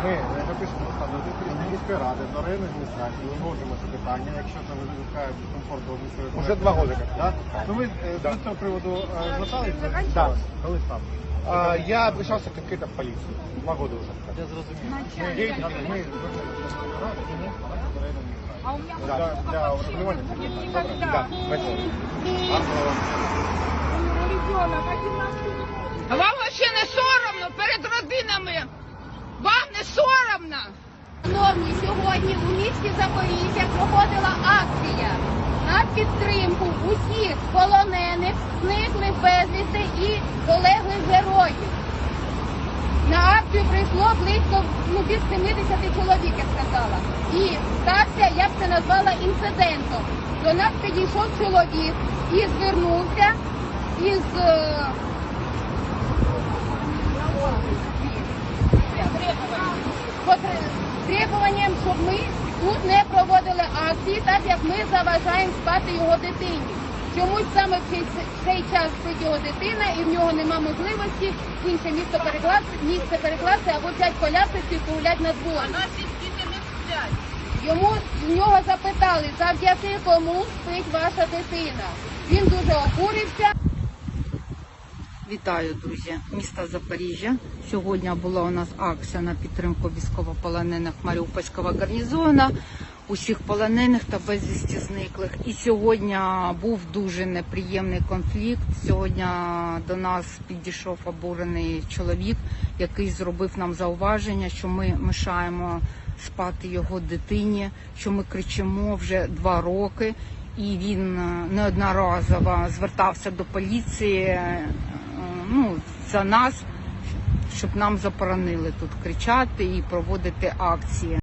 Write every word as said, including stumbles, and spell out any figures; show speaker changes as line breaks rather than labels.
Ми напишемо постанову до міської ради, до районної адміністрації, виможемо це питання, якщо там виникає дискомфорт до місцевої
Уже два роки.
Да? Ну ви е,
Да.
з цього приводу е, звертались?
Да.
Коли сам?
А, я обращался конкретно в полицию. Два года уже.
Я зрозумів.
Начальник.
Ми, ми звернулися до ради, до районної адміністрації.
А у меня
Да.
Для, для врегулювання.
никогда.
Да, спасибо.
Гарного.
Ребенок, один раз
А вам вообще не соромно перед родинами? Вам не соромно?
Шановні, сьогодні у місті Запоріжжя проходила акція на підтримку усіх полонених, зниклих безвісти і полеглих героїв. На акцію прийшло близько ну, від сімдесят чоловік, я сказала. І стався, я б це назвала інцидентом. До нас підійшов чоловік і звернувся із е, требуванням, щоб ми тут не проводили акції, так як ми заважаємо спати його дитині. Чомусь саме в цей, в цей час спить його дитина і в нього нема можливості в інше місто перекласти, місце перекласти або взяти колясочку і погуляти на дворі.
Наші діти не сплять.
Йому в нього запитали, завдяки кому спить ваша дитина. Він дуже обурився.
Вітаю, друзі, міста Запоріжжя. Сьогодні була у нас акція на підтримку військовополонених Маріупольського гарнізону, усіх полонених та безвісті зниклих. І сьогодні був дуже неприємний конфлікт. Сьогодні до нас підійшов обурений чоловік, який зробив нам зауваження, що ми мешаємо спати його дитині, що ми кричимо вже два роки. І він неодноразово звертався до поліції, ну, за нас, щоб нам заборонили тут кричати і проводити акції.